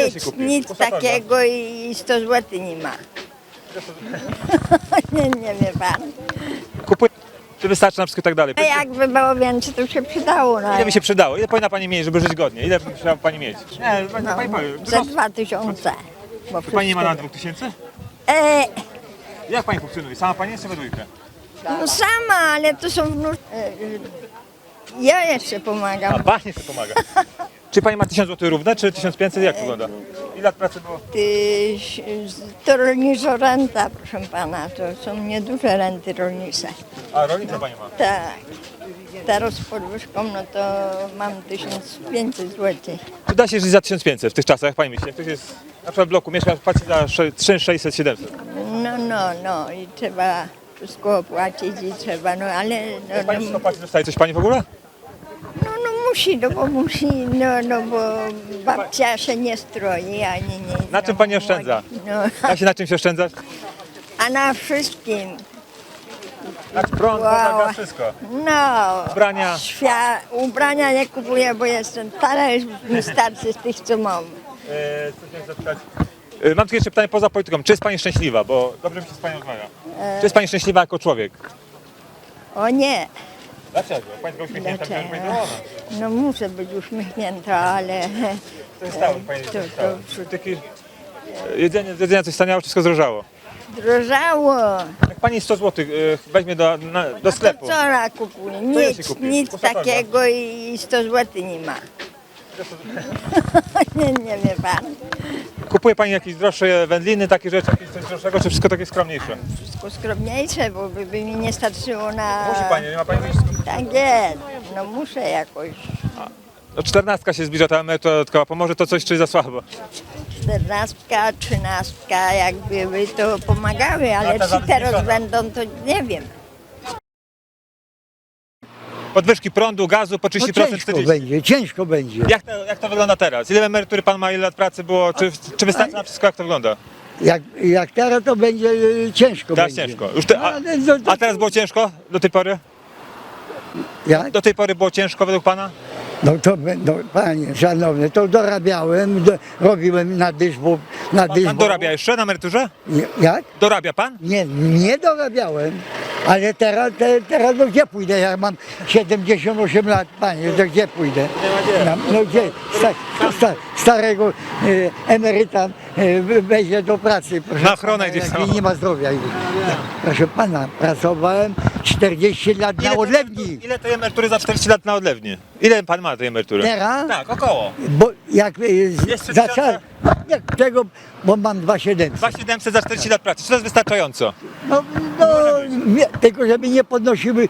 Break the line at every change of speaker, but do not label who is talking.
się kupi?
Nic
Proszę pana.
takiego i 100 zł nie ma. Nie wie pan.
Kupuje. Czy wystarczy na wszystko i tak dalej?
A jakby było więcej, to się przydało. No,
Ile by się przydało? Ile powinna pani mieć, żeby żyć godnie? Ile by musiała pani mieć? Nie,
no,
pani powie.
za 2000. Bo
Czy pani nie ma
wszystko-
na 2000?
E,
Jak pani funkcjonuje? Sama pani jest czy we dwójkę?
no sama, ale to są ja jeszcze
A
pomagam.
pani jeszcze pomaga. Czy pani ma 1000 zł równe, czy 1500? Jak wygląda? Ile lat pracy było?
To rolniczo renta, proszę pana, to są nieduże renty rolnicze.
A rolnicę pani ma.
Tak. Teraz z podwyżką, no to mam 1500 zł.
Czy da się żyć za 1500 w tych czasach, jak pani myśli? Jak ktoś jest na przykład w bloku, mieszka, płaci za 3600, 700.
No i trzeba wszystko opłacić i trzeba, no ale
Jak pani wszystko płaci, dostaje coś pani w ogóle?
no musi, no bo musi, no bo babcia się nie stroi, ani nie.
Na czym pani oszczędza?
No,
Da się na czymś oszczędzać?
a na wszystkim,
Na prąd,
Wow.
woda, wszystko.
no.
Ubrania.
Ubrania nie kupuję, bo jestem stara, już mi starczy z tych, co mam.
Co chciałem zapytać? Mam tylko jeszcze pytanie poza polityką. Czy jest pani szczęśliwa? Bo dobrze mi się z panią rozmawia. Czy jest pani szczęśliwa jako człowiek?
O nie.
Dlaczego? Pani tylko uśmiechnięta,
Dlaczego?
będzie zadowolona.
No muszę być uśmiechnięta, ale
To jest stało, pani
To-
to jest stało.
to-
Taki, jedzenia coś staniało, wszystko zdrożało.
drożało.
Jak pani 100 zł weźmie do sklepu,
Co ona kupuje?
ile się
Nic,
kupi?
nic
Proszę pana.
takiego i 100 zł nie ma. nie wie pan.
kupuje pani jakieś droższe wędliny, takie rzeczy, jakieś coś droższego, czy wszystko takie skromniejsze?
Wszystko skromniejsze, bo by mi nie starczyło na...
Musi pani, nie ma pani wyjścia.
Tak jest. No muszę jakoś.
No 14 się zbliża, ta emerytura dodatkowa. Pomoże to coś, czy za słabo?
14, 13 jakby to pomagały, ale
ta
czy teraz
zabezpieczona.
będą, to nie wiem.
Podwyżki prądu, gazu po 30%,
No ciężko
40%.
będzie, ciężko będzie.
Jak to wygląda teraz? Ile emerytury pan ma, ile lat pracy było? Czy wystarczy na wszystko, jak to wygląda?
Jak teraz to będzie ciężko
Teraz
będzie.
ciężko. Już a teraz było ciężko do tej pory?
Jak?
Do tej pory było ciężko według pana?
No to no, panie szanowny, to dorabiałem, robiłem na dyżbu,
Pan dorabia jeszcze na emeryturze?
Jak?
Dorabia pan?
Nie dorabiałem. Ale teraz no gdzie pójdę? Ja mam 78 lat, panie, to gdzie pójdę? No gdzie? Starego emeryta wejdzie do pracy. Proszę
Na ochronę
pana,
gdzieś
jak
tam.
nie ma zdrowia. Proszę pana, pracowałem 40 lat na odlewni.
Ile tej emerytury za 40 lat na odlewni? Ile pan ma tej emerytury?
Teraz?
Tak, około.
Bo jak
Jest
zacząłem, jak tego, bo mam 2700.
2700 za 40 lat pracy. Czy to jest wystarczająco?
No, tylko żeby nie podnosiły